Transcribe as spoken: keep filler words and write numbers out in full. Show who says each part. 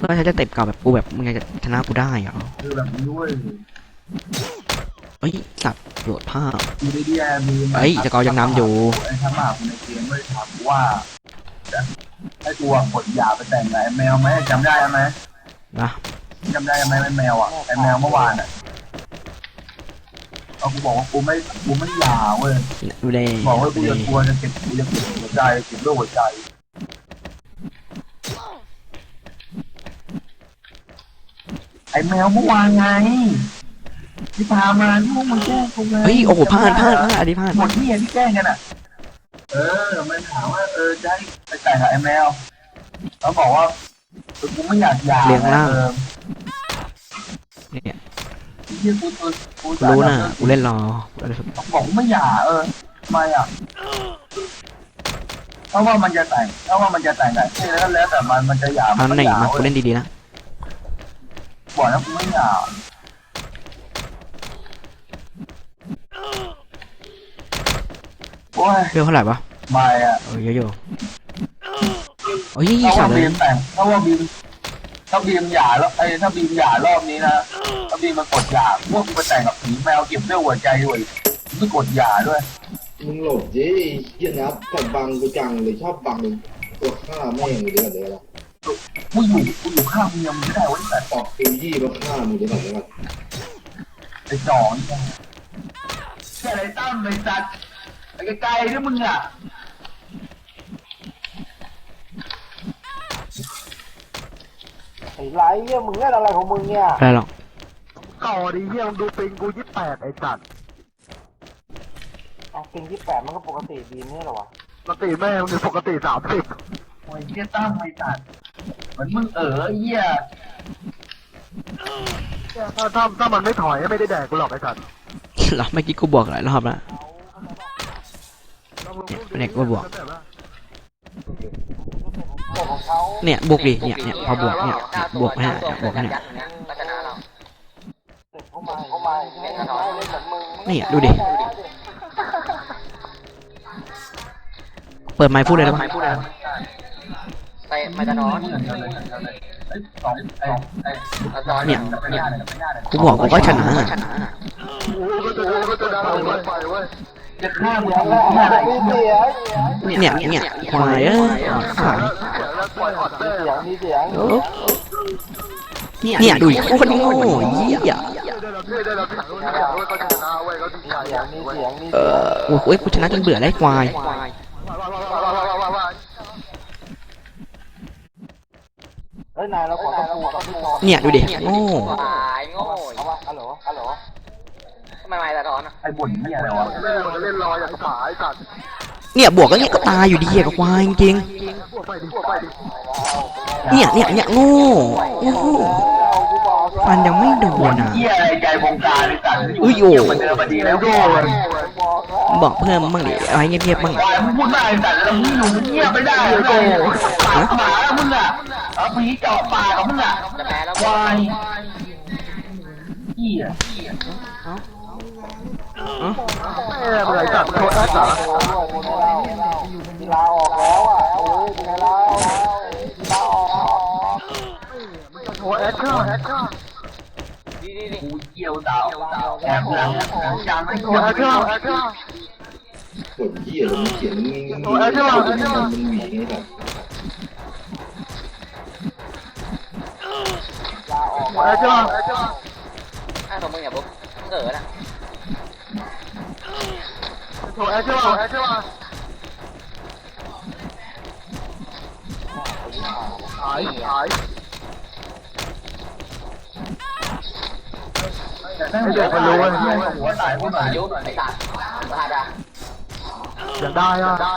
Speaker 1: เพื่อใช้จะเต็ปเก่าแบบกูแบบมึงจะชนะกูได้เหรอ
Speaker 2: คือแบบนี้ด้วย
Speaker 1: เฮ้ยสัตว์โหลดภาพ
Speaker 2: มีดีแอมี
Speaker 1: เฮ้ยจะกอยังน้ำอยู่
Speaker 2: ไอ้ทำหมาในเกมไม่ถามว่าให้ตัวกดหยาไปแต่งไงแมวไหมจำได้ไหม
Speaker 1: นะ
Speaker 2: จำได้ไหมไอ้แมวอ่ะไอ้แมวเมื่อวานอ่ะเอากูบอกว่ากูไม่กูไม่หยาเว้ย
Speaker 1: ดูเลย
Speaker 2: บอกว่ากูจะกลัวจะเก็บกูจะเก็บหัวใจเก็บเรื่องหัวใจไอ้แมวเมื่อวานไงที่พามาที่พวกมึงแกล้งกูไง
Speaker 1: เฮ้ยโอ้โหพลาดพลาดพลาดอันนี้พลาด
Speaker 2: หมดที่ที่แกล้งกันอ่ะเออมันถามว่าเออจะให้ไปแต่งกับไอ้แมวเขาบอกว่ากูไม่อยากหย่า
Speaker 1: เลี้ยงล่างเนี่ยรู้นะกูเล่นรอ
Speaker 2: บอกกูไม่หย่าเออทำไมอ่ะเพราะว่ามันจะแต่งเพราะว่ามันจะแต่งแต่แล้วแล้วแต่มันมันจะหย่า
Speaker 1: มันไหนมากูเล่นดีๆนะ
Speaker 2: บอกแล้วกูไม่หย่าโอ้ย
Speaker 1: เรื่องเท่าไหร่ปะ
Speaker 2: ไม่อ่ะ
Speaker 1: เออเยอะๆโอ้ยสัตว์เลย
Speaker 2: ถ้าว่าบีมถ้าบีมหย่าแล้วไอ้ถ้าบีมหย่ารอบนี้นะถ้าบีมมากดหย่าพวกกูไปแต่งกับผีแมวเก็บเรื่องหัวใจด้วยไม่กดหย่าด้วย
Speaker 3: มึงหลบดิเยี่ยนับแต่บังกูจังเลยชอบบังตัวฆ่าแม่งเลยเดี๋ยวเดี๋ยวละ
Speaker 2: กูอยู่กูอยู่ข้างมึงยังไม่ได้ไว้แต่
Speaker 3: ตอกตัวยี่มาฆ่ามึงเดี๋ยวเดี๋ยวละ
Speaker 2: ไอ้จ่อนี่แค่ไรตั้มเลยจัดไอ้ไกลๆด้วยมึงอ่ะ
Speaker 4: ไอ้ไรเนี่ยมึงเล่นอะไรของมึงเนี่ย
Speaker 1: อะไรหรอก
Speaker 2: ต่อดิเฮียมึงดูปิงกูยี่แปดไอ้จัด
Speaker 4: เอาปิงยี่แปดมันก็ปกติดีนี่หรอวะ
Speaker 2: ปกติแม่มึงปกติสามสิบโอ้ยเฮียตั้มไอ้จัดเหมือนมึงเออเฮียถ้าถ้าถ้ามันไม่ถอยไม่ได้แดกกูหรอกไอ้จัด
Speaker 1: หรอเมื่อกี้กูบอกหลายรอบแล้วเนี่ยกูบอกเนี่ยบวกดิเนี่ยเนี่ยพอบวกเนี่ยบวกเนี่ยบวกเนี่ยนี่ดูดิเปิดไมค์พูดเลยได้ไหม
Speaker 5: ไปมาจะนอน
Speaker 1: เนี่ยกูบอกกูก็ชนะเนี่ยเนี่ยควายเอ้ยขายเนี่ยดูโคตรโง่ยี่อ่ะเออโอ้ยกูชนะจนเบื่อได้ควายเนี่ยดูดิโง่
Speaker 5: โง่ฮัลโหลฮัลโหลทำไมไม่ตะท้อนอ่ะ
Speaker 2: ไอ้บ่นเนี่ยอะไรวะเล่นเล่นรออย่างขายสัตว์
Speaker 1: เนี่ยบวกก็เนี่ยก็ตายอยู่ดีกับควายจริงเนี่ยเนี่ยเนี่ยโง่โง่ฟันยังไม่โดนอ่ะ
Speaker 2: ใจวงการเลยสัตว์
Speaker 1: อุ้ยโอ้บอกเพิ่มบ้างดิอะไรเงียบๆบ้าง
Speaker 2: มึงพูดได้สัตว์แล้วมึงอยู่เงียบไม่ได้เลยหมาแล้วมึงอ่ะเอาผีเจาะปากของมึงอ่ะควายเหี้ยเอออะไรจัดโทษนะจ๋า
Speaker 4: ลาออกแล้วอ่ะโอ้ยเป็นไงล่ะลาออก
Speaker 2: โอ้แอคชั่นแอคชั่น
Speaker 5: ดีดีดี
Speaker 2: กูเกี่ยวดาวแอบหลังจานไม่โอ้แอคชั่นแอคชั่น
Speaker 3: กดเยี่ยเลยเขียนมึงโอ้แอคชั่นแอคชั่นมึงมีนี่แบบ
Speaker 4: ลาออก
Speaker 2: โอ้แอคชั่นแอคชั่น
Speaker 5: อ้าวของมึงอย่าบุ๊กเออนะ
Speaker 2: โอ้แอคชั่นแอคชั่นหายหายไม่เด็กมันรู้ว่าหัวตายหัวตาย
Speaker 5: ยุบไอ้ตาตาดา
Speaker 2: อยากได้อ่ะ